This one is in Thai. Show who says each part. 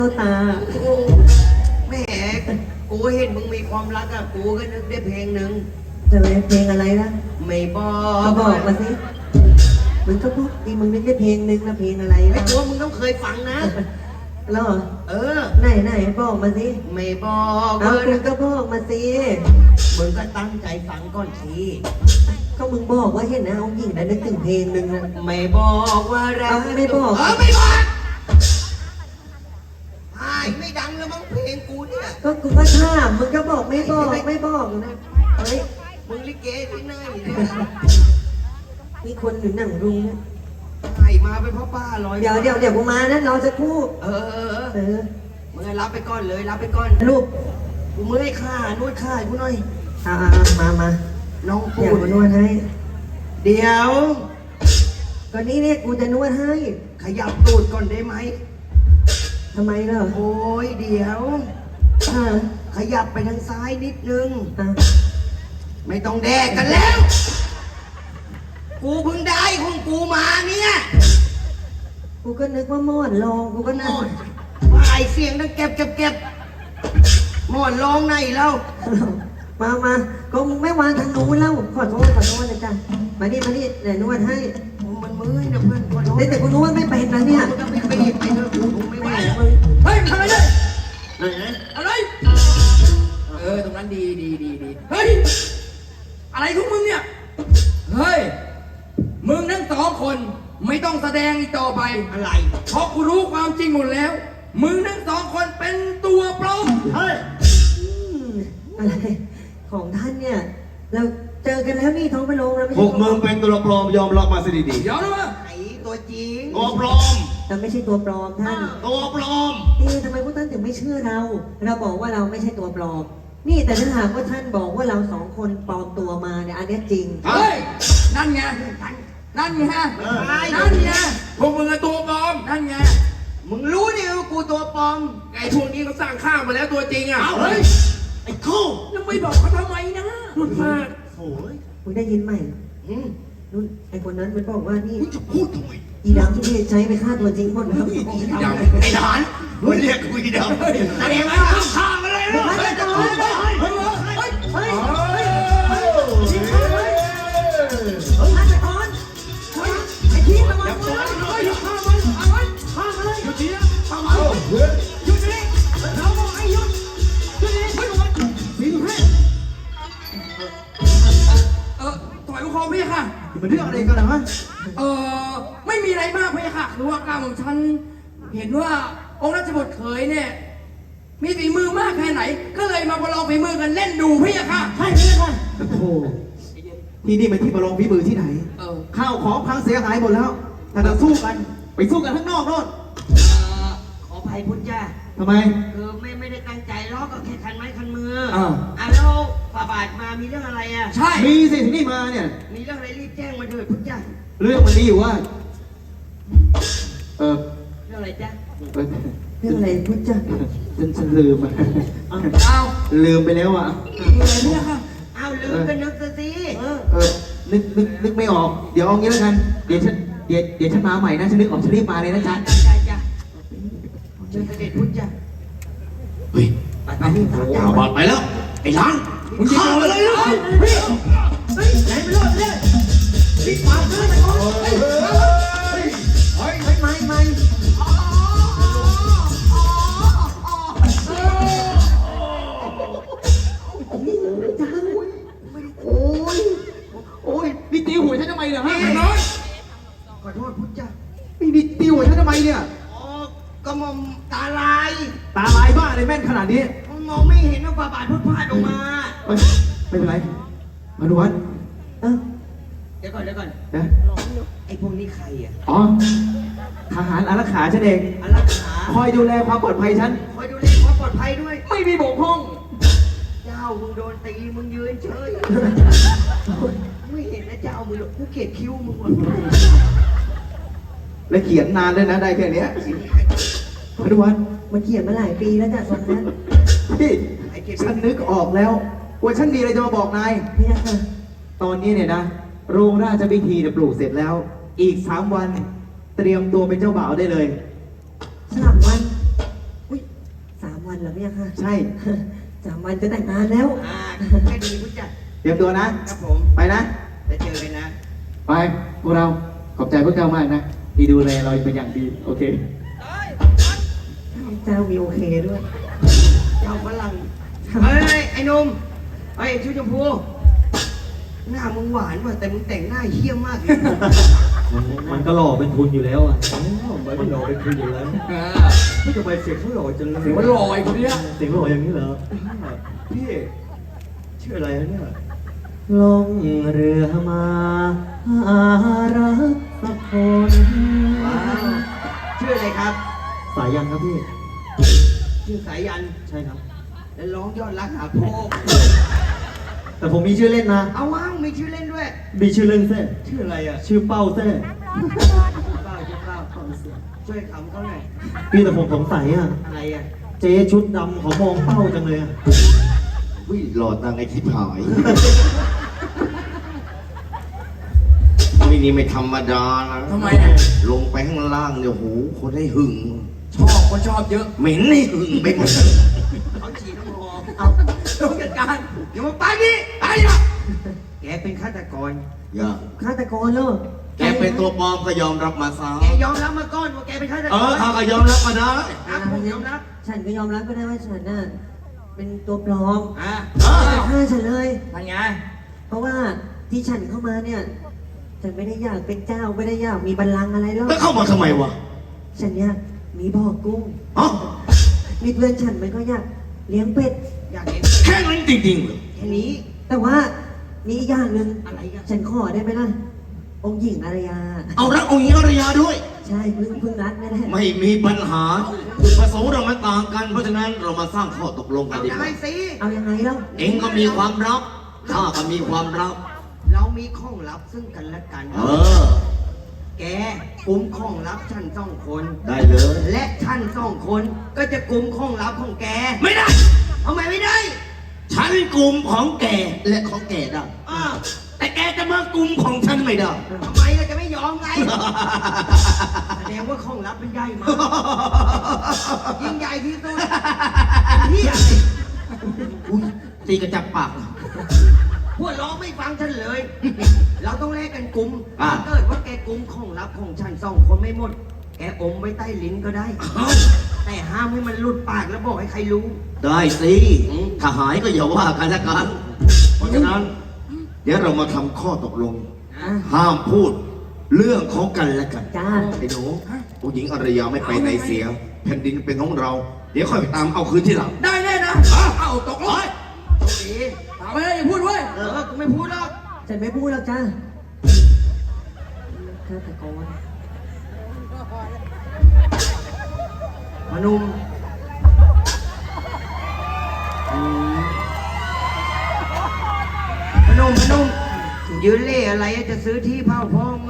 Speaker 1: ตา
Speaker 2: แหมกูเห็นมึงมีความรักอะกูก็นึกได้เพลงหนึ่ง
Speaker 1: จะเป็นเพลงอะไรล่ะ
Speaker 2: ไม่บอก
Speaker 1: ก็บอกมาสิมึงก็พูดดีมึงนึกได้เพลงนึงนะเพลงอะไร
Speaker 2: ไอ้
Speaker 1: ล่ะ
Speaker 2: ตัวมึงต้องเคยฟังนะ
Speaker 1: แล้วไหนบอกมาสิ
Speaker 2: ไม่บอก
Speaker 1: เอามึงก็บอกมาสิ
Speaker 2: มึงก็ตั้งใจฟังก่อนที
Speaker 1: ก็มึงบอกว่าเห็นนะองค์หญิงได้นึกถึงเพลงนึงนะ
Speaker 2: ไม่บอกว่ารัก
Speaker 1: ไม่บอก
Speaker 2: ไม่บอกไม่ดังแล้วมั้งเพลงกูเนี่ย
Speaker 1: ก็กูก็ถามมึงก็บอกไม่บอกนะเฮ้ย
Speaker 2: มึงลิเกที่ไหนเนี่ย
Speaker 1: มีคนหรือหนังรุงนะ
Speaker 2: ไข่มาเป็นพ่อป้าลอย
Speaker 1: เดี๋ยวกูมานะรอสักครู่
Speaker 2: มึงรับไปก่อนเลยรับไปก่อน
Speaker 1: ลูก
Speaker 2: กูเมื่อยข้านวดข้ากูหน่อย
Speaker 1: มา
Speaker 2: น้องปู
Speaker 1: นวดให้
Speaker 2: เดี๋ยว
Speaker 1: ก็นี่เนี่ยกูจะนวดให้
Speaker 2: ขยับตูดก่อนได้ไหม
Speaker 1: ทำไมล่ะ
Speaker 2: โอ้ยเดี๋ยวขยับไปทางซ้ายนิดนึงไม่ต้องแดกกันแล้วกูเพิ่งได้ของกูมาเนี่ย
Speaker 1: กูก็นึกว่าหมอนรองกูก็นั่ง
Speaker 2: ว่าไอเสียงดังเก็บหมอนรองไหนแล้ว
Speaker 1: มาก็มึงไม่วางทางนู้นแล้วขอโทษนะจ๊ะมานี่เดี๋ยวนวดให้
Speaker 2: มันมือนะเพื่อนขอโทษ
Speaker 1: แต่กูนวดไม่เป็นนะเนี่ย
Speaker 2: มึงต้องไปหยิบไปเถอะกูไม่ไหว
Speaker 3: เฮ้ยทำอะไรเนี่ยอะไรตรงนั้นดีเฮ้ยอะไรของมึงเนี่ยเฮ้ยมึงทั้งสองคนไม่ต้องแสดงอีกต่อไป
Speaker 2: อะไร
Speaker 3: เพราะกูรู้ความจริงหมดแล้วมึงทั้งสองคนเป็นตัวปลอม
Speaker 2: เฮ้ย
Speaker 1: อะไรของท่านเนี่ยเราเจอกันแล้วนี่ท้องไปลงแล้วไม่
Speaker 4: พวกมึงเป็นตัวปลอมยอมรับมาสิดี
Speaker 3: ๆยอมรับมา
Speaker 2: ไอ้ตัวจริง
Speaker 4: ตัวปลอม
Speaker 1: แต่ไม่ใช่ตัวปลอมท่าน
Speaker 4: ตัวปลอม
Speaker 1: ทำไมพวกท่านถึงไม่เชื่อเราบอกว่าเราไม่ใช่ตัวปลอมนี่แต่ถ้าหากว่าท่านบอกว่าเราสองคนปลอมตัวมาเนี่ยอันนี้จริง
Speaker 3: เฮ้ยนั่นไงพวกมึงเป็นตัวปลอมนั่นไง
Speaker 2: มึงรู้ดิว่ากูตัวปลอม
Speaker 3: ไอ้พวกนี้เขาสร้างข้าวมาแล้วตัวจริงอ่ะ
Speaker 2: เฮ้ยไอ้คู่
Speaker 3: แล้วไม่บอกเขาทำไมนะ
Speaker 2: รุ่นมาก
Speaker 1: โอ้ยมึงได้ยินไหมนู่นไอ้คนนั้นมันบอกว่านี่
Speaker 2: มึงจะพูดทำไม
Speaker 1: อีดำที่นี่ใช้ไปฆ่าตัวจริงหมดแล้ว
Speaker 2: ไอ้ทหารมึงเรียกกูอีดำแสดงว่าฆ่ามาเลยลูกเฮ้ย
Speaker 3: ถอยคอพี่ค่ะ
Speaker 4: มันเรื่องอะไรกันนะ
Speaker 3: ไม่มีอะไรมากพี่ค่ะคือว่าการของฉันเห็นว่าองค์ราชบุตรเขยเนี่ยมีฝีมือมากแค่ไหนก็เลยมาประลองฝีมือกันเล่นดูพี่ค่ะ
Speaker 1: ใช่พี่ค่ะ
Speaker 4: โอ้ที่นี่เป็นที่ประลองฝีมือที่ไหนข้าวของพังเสียหายหมดแล้วถ้าจะสู้กันไปสู้กันข้างนอกโน่น
Speaker 2: ขออภัยพุทธเจ้า
Speaker 4: ทำไม
Speaker 2: คือไม่ได้ตั้งใจล้อก็แค่คันไม้คันมือแล้วฝ่าบาทมามีเรื่องอะไรอ่ะ
Speaker 4: ใช่มีสิที่นี่มาเนี่ย
Speaker 2: มีเรื่องอะไรรีบแจ้งมาเถิดพุทธเจ้า
Speaker 4: เรื่องมันนี้อยู่ว่า
Speaker 2: เรื่องอะไรจ๊ะ
Speaker 1: เรื่องอะไรพุทธเจ้า
Speaker 4: ฉันลืมลืมไปแล้วอ่ะ
Speaker 3: อะไรเนี่ยค่ะ
Speaker 2: ลืมก็นึกสิ
Speaker 4: นึกไม่ออกเดี๋ยวเอางี้แล้วกันเดี๋ยวฉันมาใหม่นะฉันนึกออกฉันรีบมาเลยนะจ๊ะ
Speaker 2: เชิญเสด็จพุทธจ้ะ
Speaker 4: เฮ้ยไปบอดไปแล้วไอ้ช้างมึงจะเอาอะไรล่ะ
Speaker 3: ไหนไปรอดเลยรีบมาเลย
Speaker 1: ไม่
Speaker 4: โอ้ยนี่ตีหัวฉันทำไมเนี่ยฮะ
Speaker 3: น้อย
Speaker 2: ขอโทษพุทธจ้ะ
Speaker 4: นี่ตีหัวฉันทำไมเนี่ย
Speaker 2: ก็มองตาลาย
Speaker 4: บ้าเลยแม่นขนาดนี้
Speaker 2: มองไม่เห็นว่าฝ่าบาทพุทธพลาดออกมา
Speaker 4: ไม่เป็นไรมาดูวัด
Speaker 2: เดี๋ยวก่อน
Speaker 4: นะ
Speaker 2: ไอ้พวกนี้ใครอ่ะ
Speaker 4: ทหารอารักขาฉันเอง
Speaker 2: อารักขา
Speaker 4: คอยดูแลความปลอดภัยฉัน
Speaker 2: คอยดูแลความปลอดภัยด้วย
Speaker 4: ไม่มีบกพร่อง
Speaker 2: เจ้ามึงโดนตีมึงยืนเฉยไม่เห็นนะเจ้ามึงกูเกลียดคิ้วมึงว่ะ
Speaker 4: และเขียนนานด้วยนะได้แค่นี้มาดูวัด
Speaker 1: มันเขียนมาหลายปีแล้วจ้ะสมนั้น
Speaker 4: พี่ฉันนึกออกแล้วว่าฉันมีอะไรจะมาบอกนาย
Speaker 1: พี่ค่ะ
Speaker 4: ตอนนี้เนี่ยนะโรงราชพิธีปลูกเสร็จแล้วอีก3 วันเตรียมตัวเป็นเจ้าบ่าวได้เลย
Speaker 1: 3 วันอุ้ยวันเหรอพี่ค่ะ
Speaker 4: ใช่
Speaker 1: 3 วันจะแต่งงานแล้ว
Speaker 2: แค่ดีผู้จัด
Speaker 4: เตรียมตัวนะ
Speaker 2: ครับผม
Speaker 4: ไปนะ
Speaker 2: จะเจอกันนะ
Speaker 4: ไปพวกเรา ขอบใจพวกเจ้ามากนะ ที่ดูแลเราเป็นอย่างดี โอเค
Speaker 1: เจ้ามีโอเคด้วย
Speaker 2: เจ้าฝรั่งเฮ้ย ไอ้หนุ่มเฮ้ยชุดชมพูหน้ามึงหวานว่ะแต่มึงแต่งหน้าเหี้ยมากเลย
Speaker 5: มันก็หล่อเป็นทุนอยู่แล้วอ่ะมันก็หล่อเป็นทุนอยู่แล้วไม่ทำไมเสียงเขาหล่อจังเลย
Speaker 3: เสียงมันลอยคนเนี้ย
Speaker 5: เสียงหล่ออย่างนี้เหรอพี่ชื่ออะไรนะเนี่ย
Speaker 1: ลงเรือมาหารักสักคน
Speaker 2: ว้าวชื่ออะไรครับ
Speaker 5: สายยันครับพี่
Speaker 2: ชื่อสายัน
Speaker 5: ใช่ครับ
Speaker 2: แล้วร้องยอดรักหาพ่อ
Speaker 5: แต่ผมมีชื่อเล่นนะ
Speaker 2: เอาว้าวมีชื่อเล่นด้วย
Speaker 5: มีชื่อเล่นแท้
Speaker 2: ชื่ออะไรอ่ะ
Speaker 5: ชื่อเป้าแท้
Speaker 2: เป้าชื่อเป้าช่วยขำเขาหน่อย
Speaker 5: พี่แต่ผมสงสัยอ่ะ
Speaker 2: อะไรอ่ะ
Speaker 5: เจ๊ชุดดำเขามองเป้าจังเลยอ่ะ
Speaker 6: วิหลอดตังไอ้ที่ผายวินี่ไม่ธรรมดานะ
Speaker 3: ทำไมอ่ะ
Speaker 6: ลงไปข้างล่างเนี่ยโหคนให้หึง
Speaker 3: คนชอบเยอะ
Speaker 6: เหม็นให้หึงไปหมด
Speaker 2: เขาฉีดน้ำหอม
Speaker 3: เอาต้องจัดการ
Speaker 2: อย่ามาไปนี่ไปนะแกเป็นฆาตกร
Speaker 6: อย่า
Speaker 1: ฆาตกรเหรอ
Speaker 6: แกเป็นตัวปลอมก็ยอมรับมาซะ
Speaker 2: แกยอมรับมาก่อนว่าแกเป็นฆาตกร
Speaker 6: ข้าก็ยอมรับมาได้
Speaker 2: ครับผมยอมรับ
Speaker 1: ฉันก็ยอมรับก็ได้ว่าฉันน่ะเป็นตัวปลอม
Speaker 2: อ่า
Speaker 1: อย่าฆ่าฉันเลย
Speaker 3: มันไง
Speaker 1: เพราะว่าที่ฉันเข้ามาเนี่ย ฉันไม่ได้อยากเป็นเจ้าไม่ได้อยากมีบัลลังก์อะไรหรอก
Speaker 6: แล้วเข้ามาทำไมวะ
Speaker 1: ฉันอยากมีบ่อกุ้ง
Speaker 6: อ๋อ
Speaker 1: มีเพื่อนฉันมันก็อยากเลี้ยงเป็ด
Speaker 2: อยากเห็น
Speaker 6: แค่นั้นจริงๆเหรอ
Speaker 2: แค่นี้
Speaker 1: แต่ว่ามีอีกอย่างหนึ่ง
Speaker 2: อะไรกัน
Speaker 1: ฉันขอได้ไหมล่ะ องค์หญิงอารยา
Speaker 6: เอารักองค์หญิงอารยาด้วย
Speaker 1: ใช่เพิ่งรักไม่ได้
Speaker 6: ไม่มีปัญหาจุดประสงค์เรามันต่างกัน เพราะฉะนั้นเรามาสร้างข้อตกลงกั
Speaker 2: เอา
Speaker 6: นดีก
Speaker 2: ได้
Speaker 6: ว่า
Speaker 2: สิ
Speaker 1: เอายังไงเล่า
Speaker 6: เองก็มีความลับข้าก็มีความลับ
Speaker 2: เรามีข้องลับซึ่งกันและกัน
Speaker 6: เออ
Speaker 2: แกกุมข้องลับฉันสองคน
Speaker 6: ได้เลย
Speaker 2: และฉันสองคนก็จะกุมข้องลับของแก
Speaker 6: ไม่ได้
Speaker 2: ทำไมไม่ได้
Speaker 6: ฉันกลุ่มของแกและของแกได้
Speaker 2: อ้าว
Speaker 6: แต่แกจะมากลุ่มของฉันไม่ได้
Speaker 2: ทำไมเราจะไม่ยอมไง แสดงว่าข้องลับเป็นใหญ่มากยิ่งใหญ่ที่สุดเฮีย
Speaker 6: อุ้ยตีกระจับปากเหรอ
Speaker 2: พวกร้องไม่ฟังฉันเลย เราต้องแลกกันกุม
Speaker 6: อ่ะ
Speaker 2: ถ้าเกิดว่าแกกุมข้องลับของฉันสองคนไม่หมด แกอมไว้ใต้ลิ้นก็ได้
Speaker 6: เอ้า
Speaker 2: แต่ห้ามให้มันหลุดปากแล้วบอกให้ใครรู้
Speaker 6: ได้สิถ้าหายก็อย่าว่ากันละกัน เพราะฉะนั้น เดี๋ยวเรามาทำข้อตกลง
Speaker 1: อ่ะ
Speaker 6: ห้ามพูดเรื่องของกันและกัน
Speaker 1: จ้า
Speaker 6: ไอ้หนูผู้หญิงอารยาไม่ไปไหนเสีย แผ่นดินเป็นของเรา เดี๋ยวค่อยไปตามเอาคืนที่หลัง
Speaker 3: ได้แน่นะเอาตกลง
Speaker 2: โชคดี
Speaker 3: ถามไปเลยอย่าพูดเว้ย
Speaker 2: กูไม่พูดหรอก
Speaker 1: ฉันไม่พูดแล้วจ้าฆาตกร
Speaker 2: พนุ่มพนุ่มยืนเล่อะไรอะจะซื้อที่เผาพ่อ